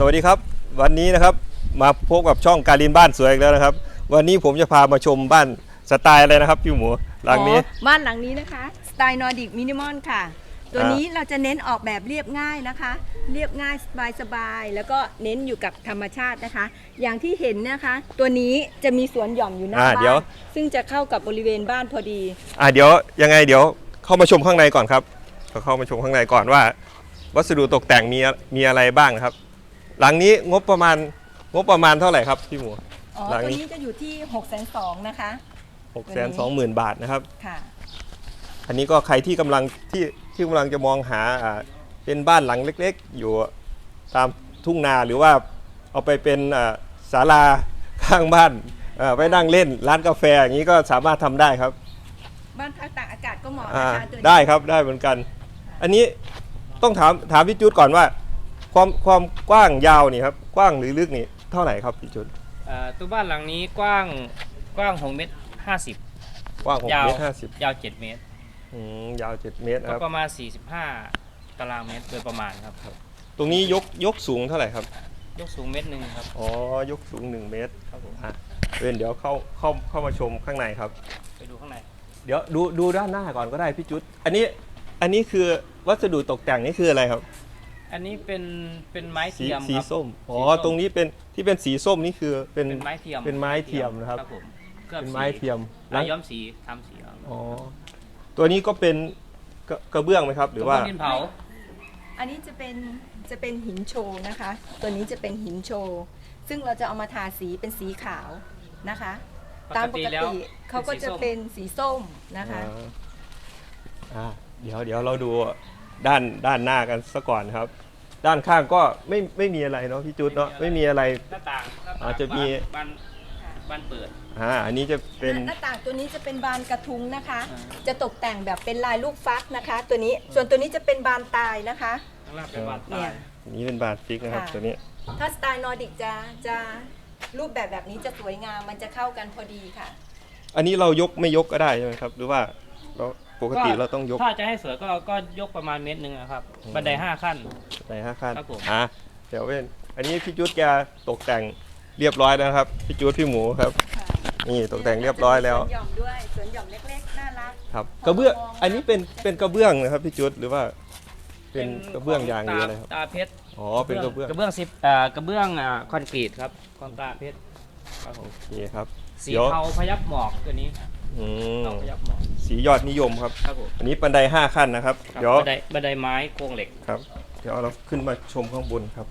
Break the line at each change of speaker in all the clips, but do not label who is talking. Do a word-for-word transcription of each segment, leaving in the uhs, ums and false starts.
สวัสดีครับวันนี้นะครับมาพบกับช่องการินบ้านสวยอีกแล้วนะครับวันนี้ผมจะพามาชมบ้านสไตล์อะไรนะครับพี่หมูหลังนี้
บ้านหลังนี้นะคะสไตล์นอร์ดิกมินิมอลค่ะตัวนี้เราจะเน้นออกแบบเรียบง่ายนะคะเรียบง่ายสบายๆแล้วก็เน้นอยู่กับธรรมชาตินะคะอย่างที่เห็นนะคะตัวนี้จะมีสวนหย่อมอยู่หน้าบ้านซึ่งจะเข้ากับบริเวณบ้านพอดี
อ่าเดี๋ยวยังไงเดี๋ยวเข้ามาชมข้างในก่อนครับเข้ามาชมข้างในก่อนว่าวัสดุตกแต่งมีมีอะไรบ้างครับหลังนี้งบประมาณงบประมาณเท่าไหร่ครับพี่หมู
อ๋อตัวนี้จะอยู่ที่หกแสนสองนะคะ
หกแสนสองหมื่นบาทนะครับ
ค่ะ
อันนี้ก็ใครที่กำลังที่ที่กำลังจะมองหาอ่าเป็นบ้านหลังเล็กๆอยู่ตามทุ่งนาหรือว่าเอาไปเป็นศาลาข้างบ้านไว้นั่งเล่นร้านกาแฟอย่างนี้ก็สามารถทำได้ครับ
บ้านพักตากอากาศก็เหมาะนะคะ
ได้ครับได้เหมือนกันอันนี้ต้องถามถามพี่จุดก่อนว่าความความกว้างยาวนี่ครับกว้างหรือลึกนี่เท่าไหร่ครับพี่จุด
ตัวบ้านหลังนี้กว้างกว้างหกเมตรห้าสิบ
กว้างหกเมตรห้าสิบ
ยาวเจ็ดเมตร
อืมยาวเจ็ดเมตรครับ
ประมาณสี่สิบห้าตารางเมตรโดยประมาณครับ
ตรงนี้ยกยกสูงเท่าไหร่ครับ
ยกสูงเมตรหนึ่งครับ
อ๋อยกสูงหนึ่งเมตรครับผมอ่ะเดี๋ยวเข้าเข้าเข้ามาชมข้างในครับ
ไปดูข้างใน
เดี๋ยวดูดูด้านหน้าก่อนก็ได้พี่จุดอันนี้อันนี้คือวัสดุตกแต่งนี่คืออะไรครับ
อันนี้เป็นเป็นไม้เทียม
สีส้มอ๋อตรงนี้เป็นที่เป็นสีส้มนี่คือเป็น
ไม้เทียม
เป็นไม้เทียมนะครับเป็นไม้เทียม
แล้วย้อมสีทำสี
อ๋อตัวนี้ก็เป็นกระเบื้องไหมครับหรือว่า
ดินเผา
อันนี้จะเป็นจะเป็นหินโชว์นะคะตัวนี้จะเป็นหินโชว์ซึ่งเราจะเอามาทาสีเป็นสีขาวนะคะตามปกติเขาก็จะเป็นสีส้มนะคะ
อ่าเดี๋ยวเดี๋ยวเราดูด้านด้านหน้ากันซะก่อนครับด้านข้างก็ไม่ไม่มีอะไรเนาะพี่จุดเนาะไม่มีอะไร
หน้าต่าง
อาจจะมี
บานบานเปิด
อ่าอันนี้จะเป็น
หน้าต่างตัวนี้จะเป็นบานกระทุ้งนะคะจะตกแต่งแบบเป็นลายลูกฟักนะคะตัวนี้ส่วนตัวนี้จะเป็นบานตายนะคะ
เนี่ยนี้เป็นบานฟิกนะครับตัวนี้
ถ้าสไตล์นอร์ดิกจะจะรูปแบบแบบนี้จะสวยงามมันจะเข้ากันพอดีค่ะ
อันนี้เรายกไม่ยกก็ได้ใช่ไหมครับหรือว่าเราปกติเราต้องยก
ถ้าจะให้สวยก็ก็ยกประมาณเมตรหนึ่งครับบันไดห้าขั้น
บันไดห้าขั้นอ่ะเดี๋ยวเป็นอันนี้พี่จุดแกตกแต่งเรียบร้อยแล้วครับพี่จุดพี่หมูครับนี่ตกแต่งเรียบร้อยแล้ว
สวนหย่อมด้วยสวนหย่อมเล็กๆน่ารัก
ครับกระเบื้องอันนี้เป็นเป็นกระเบื้องนะครับพี่จุดหรือว่าเป็นกระเบื้องยางหรืออะไรครับ
ตาเพชร
อ๋อเป็นกระเบื้อง
กระเบื้องซิปอ่ากระเบื้องอ่าคอนกรีตครับคอนตาเพชร
โอเคครับ
สีเทาพยับหมอกตัวนี้
อืมสียอดนิยมครับ
ครับผม
อันนี้บันไดห้าขั้นนะครับ
เดี๋ยวบันไดบันไดไม้โครงเหล็ก
ครับเดี๋ยวเราขึ้นมาชมข้างบนครับ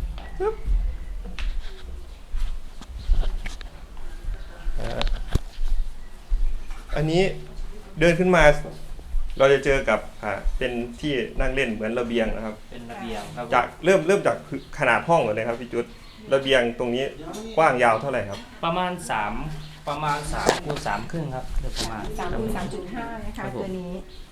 อันนี้เดินขึ้นมาเราจะเจอกับอ่าเป็นที่นั่งเล่นเหมือนระเบียงนะครับ
เป็นระเบียงครับ
จากเริ่มเริ่มจากขนาดห้องก่อนเลยครับพี่จุดระเบียงตรงนี้กว้างยาวเท่าไหร่ครับ
ประมาณสามประมาณสามคูณสามครึ่งครับโดยประมาณ
สามคูณสามจุดห้านะคะตัวนี้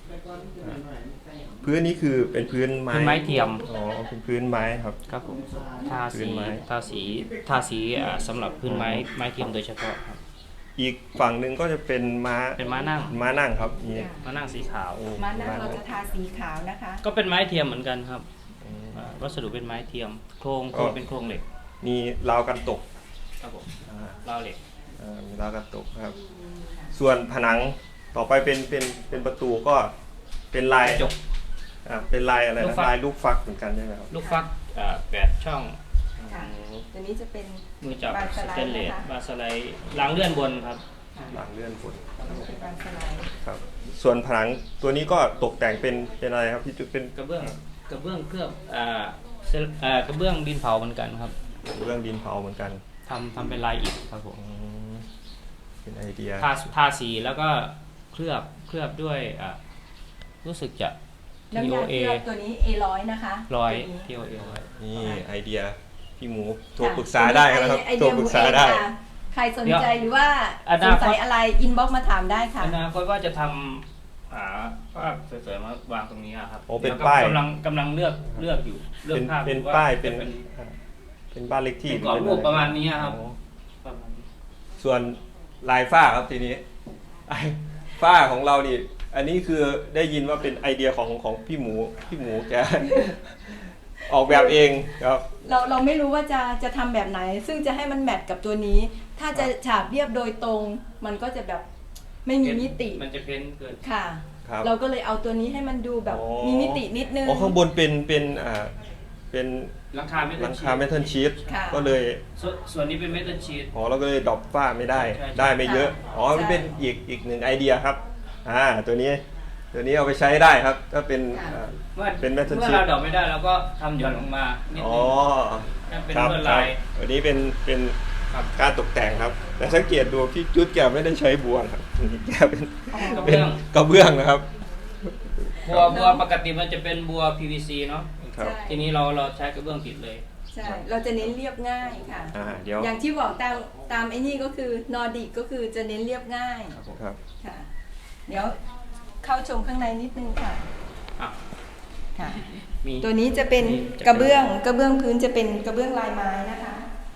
พื้นนี้คือเป็นพื้นไม้
ไม้เทียม
อ๋อเป็นพื้นไม้ครับ
ครับผมทาสีทาสีทาสีสำหรับพื้นไม้ไม้เทียมโดยเฉพาะครับ
อีกฝั่งหนึ่งก็จะเป็นม้า
เป็นม้านั่ง
ม้านั่งครับนี่
ม้านั่งสีขาว
ม้านั่งเราจะทาสีขาวนะคะ
ก็เป็นไม้เทียมเหมือนกันครับวัสดุเป็นไม้เทียมโครงโครงเป็นโครงเหล็ก
มีราวกันตก
ครับผมราวเหล็ก
มีราวกันตกครับส่วนผนังต่อไปเป็นเป็นเป็นประตูก็เป็นลาย
จก
เป็นลายอะไรนะลายลูกฟักเหมือนกันใช่ไหมครับ
ลูกฟักแปดช่อง
ตัวนี้จะเป็น
มือจับสเตนเลสบาสไลด์หลังเลื่อนบนครับ
หลังเลื่อนบน
บานสไลด์
ครับส่วนผนังตัวนี้ก็ตกแต่งเป็นเป็นอะไรครับที่จุดเป็น
กระเบื้องกระเบื้องเคลือบอ่าอ่ากระเบื้องดินเผาเหมือนกันครับ
กระเบื้องดินเผาเหมือนกัน
ทำทำเป็นลายอิฐครับผม
เป็นไอเดีย
ทาทาสีแล้วก็เคลือบเคลือบด้วยอ่ารู้สึกจะ
ที โอ เอ ตัวนี้ เอ ร้อยนะคะ
ร้อย ที โอ เอ
นี่ไอเดียพี่หมูโทรปรึกษาได้นะครับโทรปรึกษาได้
ใครสนใจหรือว่าสนใจอะไรอินบ็อกซ์มาถามได้ค่ะ
อนาคตว่าจะทำอ่าภาพสวยๆมาวางตรงนี้ครับ
โอ้เป็นป้าย
กำลังกำลังเลือกเลือกอยู่เลือกภาพ
เป็นป้ายเป็นเป็นบ้านเล็กที่
เป็นกรอบรูปประมาณนี้ครับ
ส่วนลายฝ้าครับทีนี้ฝ้าของเรานี่อันนี้คือได้ยินว่าเป็นไอเดียของของพี่หมูพี่หมูแกออกแบบเองครับ
เราเราไม่รู้ว่าจะจะทำแบบไหน ซึ่งจะให้มันแมทกับตัวนี้ ถ้าจะฉาบเรียบโดยตรง มันก็จะแบบไม่มีมิติ
มันจะเพ้นเกิน
ค่ะ
ครับ
เราก็เลยเอาตัวนี้ให้มันดูแบบ
อ๋อ
มีมิตินิดนึง
อ๋อข้างบนเป็นเป็นอ่าเป็น
หลังคาเม
ห
ทั
ลั
ล
ง
ชี
คา
ท
เมทัลชีต
ค่ะ
ก็เลย
ส่วนส่วนนี้เป็นเมทัลชีท
อ๋อเราก็เลยดรอปฝ้าไม่ได้
ใช่ใช่
ได้ไม่เยอะ อ๋อ
ใช่
มันเป็นอีกอีกหนึ่งไอเดียครับ อ่า ตัวนี้ ตัวนี้เอาไปใช้ได้ครับ ก็เป็น
ค่ะ
อ่า
เมื่อ
เป็น metal
เมื่อ
sheet
เราดอกไม่ได้เราก็ทำหย่อนลงมานิด
อ๋
นึ
อง
ถ้าเป็น
ครับ
ลวด
ครั
ลา
บ
ย
ตัวนี้เป็นเป็น
ครับ
การตกแต่งครับ แต่สังเกตดูพี่จุดแกไม่ได้ใช้บัวครับนี่แกเป็น
กระ
เป็
เบื้
น
อง
กระเบื้องนะครับ
บัวบัวปกติมันจะเป็นบัว พี วี ซี เนาะ
ครับ
ใช่
ทีนี้เราเราใช้กระเบื้องติดเลย
ใช่ เราจะเน้นเรียบง่ายค่ะ
อ่า เดี๋ยว
อย่างที่บอกตามตามไอ้นี่ก็คือนอร์ดิกก็คือจะเน้นเรียบง่าย
ครับ
ค่ะ เดี๋ยวเข้าชมข้างในนิดนึงค่ะ
อ่ะ
ค่ะ
มี
ตัวนี้จะเป็น
นี่จะเป็น
กระเบื้องกระเบื้องพื้นจะเป็นกระเบื้องลายไม้นะคะ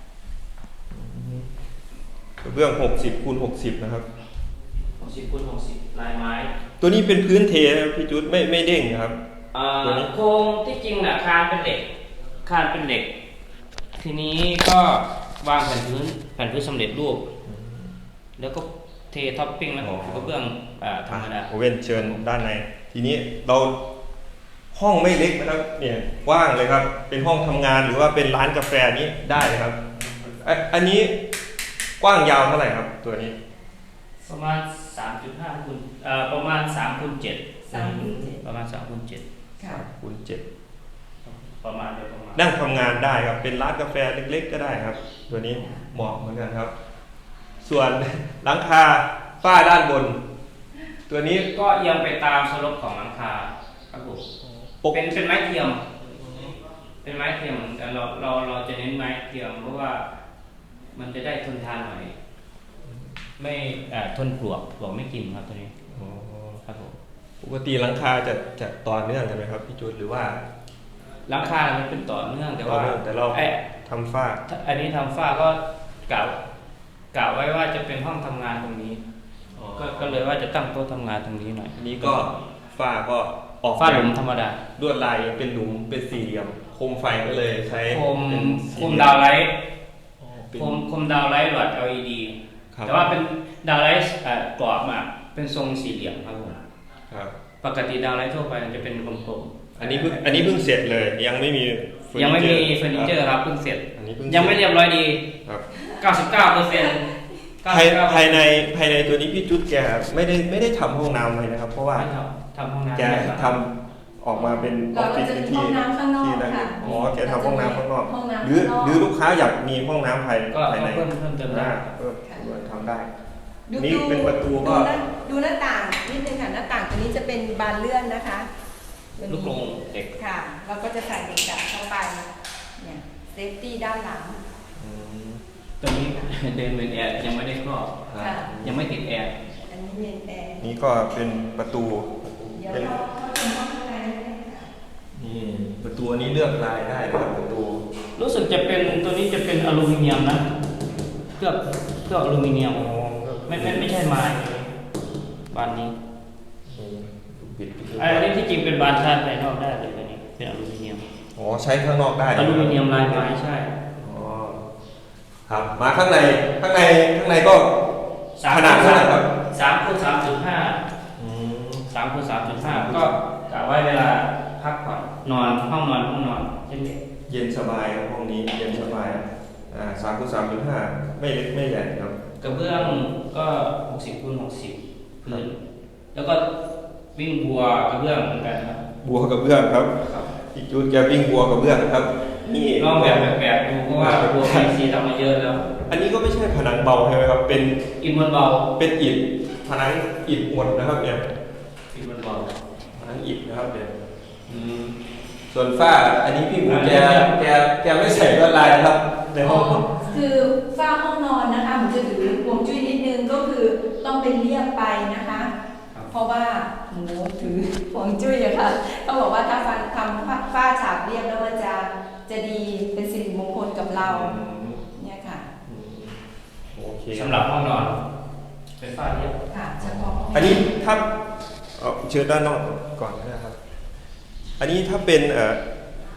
กระเบื้องหกสิบคูณหกสิบนะครับ
หกสิบคูณหกสิบลายไม้
ตัวนี้เป็นพื้นเทนะครับพี่จุดไม่ไม่เด้งนะครับ
อ่า
ตัวนี้
โครงที่จริงน่ะคานเป็นเหล็ก คานเป็นเหล็ก ทีนี้ก็วางแผ่นพื้นแผ่นพื้นสำเร็จรูป แล้วก็เทท็อปปิ้งแล้วก็กระเบื้องอ่าธรรมดา
โอเว่นเชิญด้านใน ทีนี้เราห้องไม่เล็กนะครับ เนี่ยกว้างเลยครับ เป็นห้องทำงานหรือว่าเป็นร้านกาแฟนี้ได้เลยครับอ่ะอันนี้กว้างยาวเท่าไหร่ครับ ตัวนี้
ประมาณ สามจุดห้า คูณเอ่อประมาณสามคูณเจ็ด
สามคูณเจ็ด
ประมาณสามคูณเจ็ด
ค่ะ
คูณเจ็ด
ประมาณโดยประมาณ
นั่งทำงานได้ครับ เป็นร้านกาแฟเล็กๆก็ได้ครับ ตัวนี้เหมาะเหมือนกันครับ ส่วนหลังคาฝ้าด้านบน ตัวนี้
ก็เอียงไปตามสลบของหลังคาครับผม
ปก
เป็นเป็นไม้เทียม เป็นไม้เทียมเหมือนกันเราเราเราจะเน้นไม้เทียมเพราะว่ามันจะได้ทนทานหน่อย ไม่เอ่อทนปลวกปลวกไม่กินครับตัวนี้
อ๋อ
ครับผม
ปกติหลังคาจะจะต่อเนื่องกันไหมครับพี่จุดหรือว่า
หลังคามันเป็นต่อเนื่องแต่
ต่อ
ว่า
เนื่องแต่เรา
ไอ้
ทำฝ้า
ถ้าอันนี้ทำฝ้าก็กล่าวกล่าวไว้ว่าจะเป็นห้องทำงานตรงนี้ ก็ก็เลยว่าจะตั้งโต๊ะทำงานตรงนี้หน่อย
อันนี้ก็ฝ้าก็ออก
ฝ้าหลุม
แบบ
ธรรมดา
ลวดลายเป็นหลุมเป็นสี่เหลี่ยมโคมไฟก็เลยใช้
โคม
เป็น
โค
สี่
ม
เหลี่ย
ดาวไลท์
อ๋อเป็น
โคมโคมดาวไลท์หลอด แอล อี ดี
ครับ
แต่ว่าเป็นดาวไลท์เอ่อกรอบมาเป็นทรงสี่เหลี่ยมครับผม
ครับ
ปกติดาวไลท์ทั่วไปมันจะเป็นกลม
อันนี้เพิ่งอันนี้เพิ่งเสร็จเลย ยังไม่มีเฟอร์
ๆยังไม่มี
นิ
เฟอร์นิเจอร์ครับเพิ่งเสร็จ
อันนี้เพิ่ง
ยังไม่เรียบร้อยดี
ครับ
เก้าสิบเก้าเปอร์เซ็นต์
ภายภายในภายในตัวนี้พี่จุดแกไม่ได้ไม่ได้ทำห้องน้ำเลยนะครับ เพราะว่า
ทำห้องน้ำ
แกทำออกมาเป็นอ
เรา
อฟฟิศ
จะ
เป็น
มี
ที่
ห้องน้ำข้างนอก
ที่นั่น
ค่ะ
อ๋อแกทำห้องน้ำข้างนอก
ห้องน้ำ
หรือ
ข้างนอก
หรือลูกค้าอยากมีห้องน้ำภาย
ก็
ภายใน
เพิ่มเพิ่มเติมได้
อ่าเพิ่มทำได้
ดู
นี่
ดู
เป็นประตูก็
ดูหน้าดูหน้าต่างนิดนึงค่ะหน้าต่างตัวนี้จะเป็นบานเลื่อนนะคะตัวนี้
ลูกกรงเด็ก
ค่ะ เราก็จะใส่เด็กดับเข้าไปเนี่ยเซฟตี้ด้านหลัง
อืม
ตัวนี้ เดินเป็นแอร์ยังไม่ได้ครอบ
ค่ะ
ยังไม่ติดแอร์
อันนี้เมนแอร์
นี่ก็เป็นประตู
เดี๋ยว
เป็น
เราเข้าชมห้องข้างในได้เลยค่ะ
นี่ประตูนี้เลือกลายได้นะครับประตู
รู้สึกจะเป็นตัวนี้จะเป็นอลูมิเนียมนะเคลือบเคลือบอลูมิเนียมไม่ไม่ไม่ใช่ไม้บานนี้
ปิด
อันนี้ที่จริงเป็นบานชาติภายนอกได้เลยตัวนี้เป็นอลูมิเนียม
อ๋อใช้ข้างนอกได้
อลูมิเนียมลายไม้ใช่
อ๋อครับมาข้างในข้างในข้างในก็ขนาดเท่าไหร่ครับ
สามคูณสามจุดห้า
อืม
สามคูณสามจุดห้าก็กะไว้เวลาพักผ่อนนอนห้องนอนห้องนอนเช่นเดียว
เย็นสบายครับห้องนี้เย็นสบายอ่าสามคูณสามจุดห้าไม่เล็กไม่ใหญ่ครับ
กระเบื้องก็หกสิบคูณหกสิบพื้นแล้วก็วิ่งบัวกระเบื้องเหมือนกันครับ
บัวกับเบื้องครับ
ครับ
พี่จูดแกวิ่งบัวกับเบื้องครับนี่
ลองแบบแปลกๆดูเพราะว่าบัวพีซีทำมาเยอะแล้ว
อันนี้ก็ไม่ใช่ผนังเบาใช่ไหมครับ เป็น
อินมันเบา
เป็นอิฐผนังอิฐหมดนะครับเนี่ย
อินมันเบา
ผนังอิฐนะครับเนี่ย
อืม
ส่วนฝ้าอันนี้พี่หมูแกแกแกไม่ใส่ลวดลายนะครับในห้อง
คือฝ้าห้องนอนนะคะผมจะถือห่วงจุ้ยนิดนึงก็คือต้องเป็นเรียบไปนะคะ เพราะว่าหมูถือห่วงจุ้ยอะค่ะเขาบอกว่าถ้าฟันทำฝ้าฉาบเรียบแล้วมันจะจะดีเป็นสิริมงคลกับเราเนี่ยค่ะ
โอเค
สำหรับห้องนอน เป็นฝ้าเรียบ
ค่ะเฉพาะห้ง
อันนี้ถ้าเอาเชิญด้านนอกก่อนนะครับ อันนี้ถ้าเป็นเอ่อ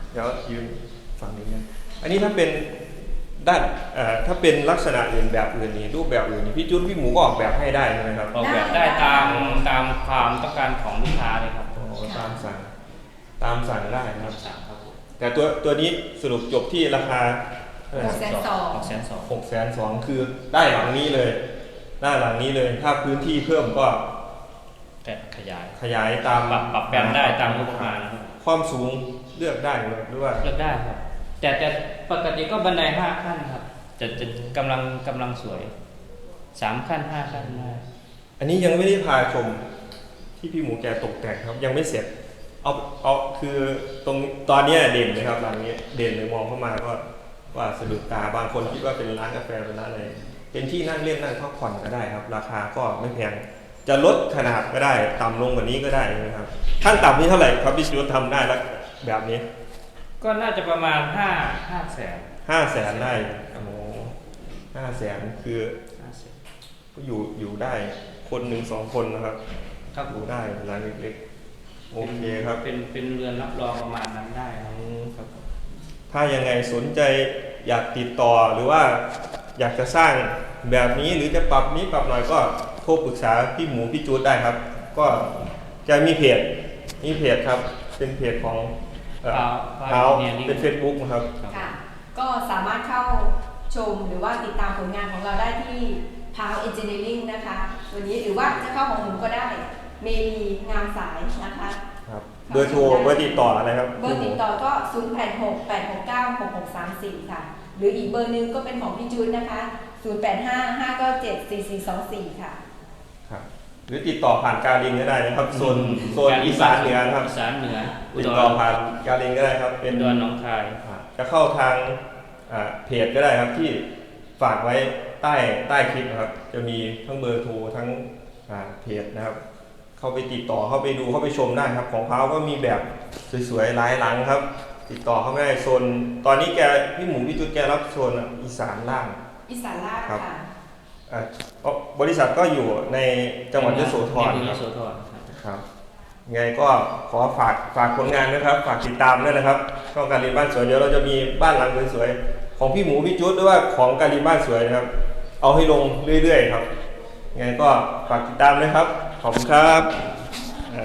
เดี๋ยวยืนฝั่งนี้นะอันนี้ถ้าเป็นด้านเอ่อถ้าเป็นลักษณะอื่นแบบอื่นนี่รูปแบบอื่นนี่พี่จุนพี่หมูก็ออกแบบให้ได้ใช่ไหมครับ
ออกแบบได้ตามตามความต้องการของลูกค้าเลยครับ
อ๋อตามสั่งตามสั่งได้นะครับ
สั่งครับผม
แต่ตัวตัวนี้สรุปจบที่ราคา
หกแสนสอง
หกแสนสอง
หกแสนสองคือได้หลังนี้เลยได้หลังนี้เลย ถ้าพื้นที่เพิ่มก็
แต่ขยาย
ขยายตาม
ปรับปรับแปลงได้ตามงบประมาณนะครับ
ความสูงเลือกได้เลยหรือว่า
เลือกได้ครับ แต่แต่ปกติก็บันไดห้าขั้นครับจะจะกำลังกำลังสวยสามขั้นห้าขั้นได้
อันนี้ยังไม่ได้พาชมที่พี่หมูแกตกแต่งครับ ยังไม่เสร็จเอาเอาคือตรงตอนเนี้ยเด่นเลยครับหลังนี้เด่นเลยมองเข้ามาก็ว่าสะดุดตาบางคนคิดว่าเป็นร้านกาแฟเป็นร้านอะไรเป็นที่นั่งเล่นนั่งพักผ่อนก็ได้ครับ ราคาก็ไม่แพงจะลดขนาดก็ได้ต่ำลงกว่านี้ก็ได้นะครับขั้นต่ำนี่เท่าไหร่ครับพี่ชิวทำได้แล้วแบบนี้
ก็น่าจะประมาณห้าห้าแสน
ห้าแสนได้โอ้โหห้าแสนคือ
ห้าแสน
ก็อยู่อยู่ได้คนหนึ่งสองคนนะครับ
ครับ
อยู่ได้ร้านเล็กๆโอเคครับ
เป็นเป็นเรือนรับรองประมาณนั้นได้ครับ
อืม
ครับผม
ถ้ายังไงสนใจอยากติดต่อหรือว่าอยากจะสร้างแบบนี้หรือจะปรับนี้ปรับหน่อยก็โทรปรึกษาพี่หมูพี่จูดได้ครับ ก็จะมีเพจมีเพจครับเป็นเพจของเอ่อ
พาว
เท้า
เนี่ยนี่
เป็น Facebook นะครับ
ค่ะ ก็สามารถเข้าชมหรือว่าติดตามผลงานของเราได้ที่ พาว Engineering นะคะตัวนี้หรือว่าจะเข้าของหนูก็ได้เมลีงามสายนะคะ
ครับเบอร์โทรเบอร์ติดต่ออะไรครับ
เบอร์ติดต่อก็ ศูนย์ แปด หก แปด หก เก้า หก หก สาม สี่ ค่ะ หรืออีกเบอร์หนึงก็เป็นของพี่จูนนะคะ ศูนย์ แปด ห้า ห้า เก้า เจ็ด สี่ สี่ สอง สี่ ค่ะ
ครับหรือติดต่อผ่านการลิงก็ได้นะครับโซนโซนอีสานเหนือนะครับ
อีสานเหนืออุ
ติ
ด
ด
ร
ต่อผ่านการลิงก็ได้ครับ
เป็
เป็น น
ดอนหน้องคาย
อ่าจะเข้าทางอ่าเพจก็ได้ครับที่ฝากไว้ใต้ใต้คลิปนะครับ จะมีทั้งเบอร์โทรทั้งอ่าเพจนะครับ เข้าไปติดต่อเข้าไปดูเข้าไปชมได้ครับ ของเขาก็มีแบบสวยๆหลายหลังครับ ติดต่อเข้าไม่ได้โซนตอนนี้แกพี่หมูพี่จุดแกรับโซนอีสานล่าง
อีสานล่าง
ครับ
ค่ะ
อ่าเพราะบริษัทก็อยู่ในจังหวัดยโสธร
ใน
ค
ย
รับ
โสธรครับ
ครับไงก็ขอฝากฝากผลงานนะครับ ฝากติดตามด้วยนะครับช่องการีนบ้านสวยเดี๋ยวเราจะมีบ้านหลังสวยๆของพี่หมูพี่จุ๊ดหรือว่าของการีนบ้านสวยนะครับ เอาให้ลงเรื่อยๆครับไงก็ฝากติดตามนะครับขอบคุณครับ